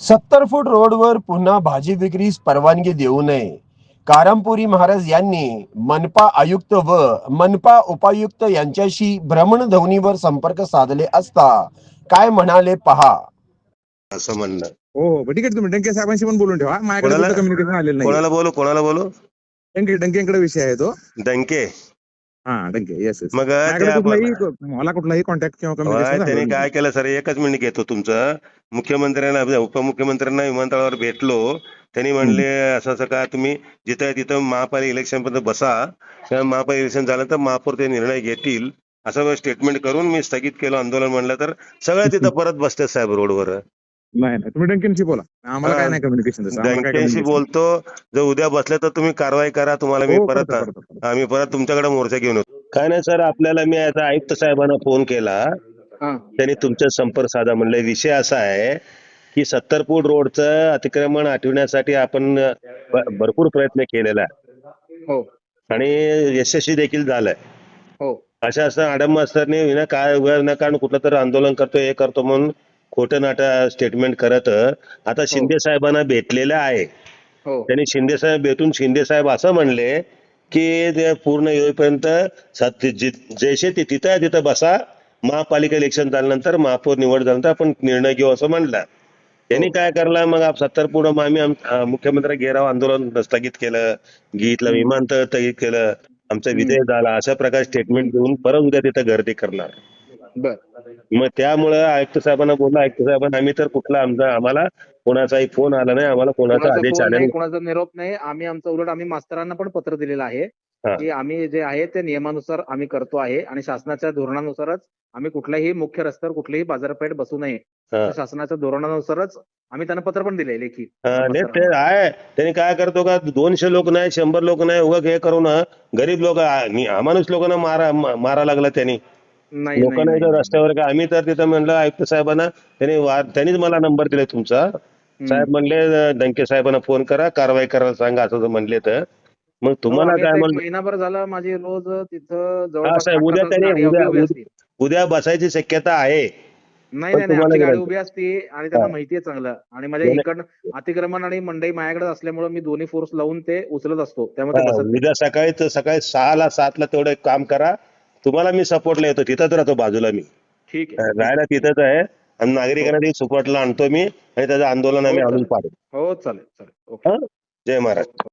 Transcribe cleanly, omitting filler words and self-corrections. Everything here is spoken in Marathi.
70 फूट रोडवर पुन्हा भाजी विक्रीस परवानगी देऊ नये. कारंपुरी महाराज यांनी मनपा आयुक्त व मनपा उपायुक्त यांच्याशी भ्रमणध्वनीवर संपर्क साधले असता काय म्हणाले पहा. असं म्हणणं. हो हो ठीक आहे. तुम्ही डंके साहेबांशी पण बोलून ठेवा. माझ्याकडे कोणाला कुठं कम्युनिकेशन आलेलं नाही. कोणाला बोलू डंकेकडे विषय आहे तो. डंके. हा डंके येस येस. मग मला कुठलाही कॉन्टॅक्ट किंवा कम्युनिकेशन त्यांनी काय केलं सर, एकच मिनिट घेतो तुमचं. मुख्यमंत्र्यांना उपमुख्यमंत्र्यांना विमानतळावर भेटलो. त्यांनी म्हणले असं असं का तुम्ही जिथं तिथं महापालिका इलेक्शन पर्यंत बसा, महापालिका इलेक्शन झालं तर महापौर ते निर्णय घेतील असं स्टेटमेंट करून मी स्थगित केलं आंदोलन. म्हणलं तर सगळं तिथं परत बसते साहेब रोडवर. नाही तुम्ही डंकेशी बोला. आम्हाला काय नाही कम्युनिकेशन. डंकेशी बोलतो. जर उद्या बसले तर तुम्ही कारवाई करा. तुम्हाला मी परत आम्ही परत तुमच्याकडे मोर्चा घेऊन येतो. काय नाही सर, आपल्याला मी आता आयुक्त साहेबांना फोन केला. त्यांनी तुमचा संपर्क साधा. म्हणले विषय असा आहे की 70 फूट रोडचं अतिक्रमण हटविण्यासाठी आपण भरपूर प्रयत्न केलेला आहे आणि यशस्वी देखील झालाय. अशा असं आडम मास्तरने विनाकारण कुठलं तर आंदोलन करतो, हे करतो म्हणून खोटं नाटं स्टेटमेंट करत आता शिंदे साहेबांना भेटलेलं आहे. त्यांनी शिंदे साहेब भेटून शिंदे साहेब असं म्हणले की ते पूर्ण येईपर्यंत जैसे ते तिथं बसा, महापालिका इलेक्शन झाल्यानंतर महापौर निवड झाल्यानंतर आपण निर्णय घेऊ असं म्हणलं. त्यांनी काय करला मग 70 फूट आम्ही मुख्यमंत्री घेराव आंदोलन स्थगित केलं, विमानतळ स्थगित केलं, आमचा विजय झाला अशा प्रकारे स्टेटमेंट देऊन परत उद्या तिथं गर्दी करणार. मग त्यामुळं आयुक्त साहेबांना बोललो. आयुक्त साहेबांना आम्ही तर कुठला आम्हाला कोणाचाही फोन आला नाही, आम्हाला कोणाचा आदेश आला नाही, कोणाचा निरोप नाही. आम्ही मास्तरांना पण पत्र दिलेलं आहे की आम्ही जे आहे ते नियमानुसार आम्ही करतो आहे आणि शासनाच्या धोरणानुसारच आम्ही कुठल्याही मुख्य रस्त्यावर कुठलीही बाजारपेठ बसू नये, शासनाच्या धोरणानुसारच आम्ही त्यांना पत्र पण दिले लेखी. ते आहे. त्यांनी काय करतो का 200 लोक नाही, 100 लोक नाही, उगा हे करून गरीब लोक अमानुष लोकांना मारा लागला. त्यांनी लोकांना इथं रस्त्यावर का आम्ही तर तिथं म्हणलं आयुक्त साहेबांना, त्यांनीच मला नंबर दिले तुमचा. साहेब म्हणले डंके साहेबांना फोन करा, कारवाई करायला सांगा असं म्हणले. तर मग तुम्हाला काय म्हणलं, महिनाभर झाला माझी रोज तिथं साहेब उद्या बसायची शक्यता आहे. नाही आमची गाडी उभी असते आणि त्यांना माहितीये चांगलं. आणि माझ्या इकडं अतिक्रमण आणि मंडई माझ्याकडे असल्यामुळे मी दोन्ही फोर्स लावून ते उचलत असतो. त्यामुळे उद्या सकाळी 6 ला 7 ला तेवढं काम करा. तुम्हाला मी सपोर्टला येतो, तिथंच राहतो बाजूला. मी ठीक आहे, राहायला तिथंच आहे आणि नागरिकांना सपोर्टला आणतो मी आणि त्याचं आंदोलन आम्ही आणून पाडू. हो चालेल. जय महाराज.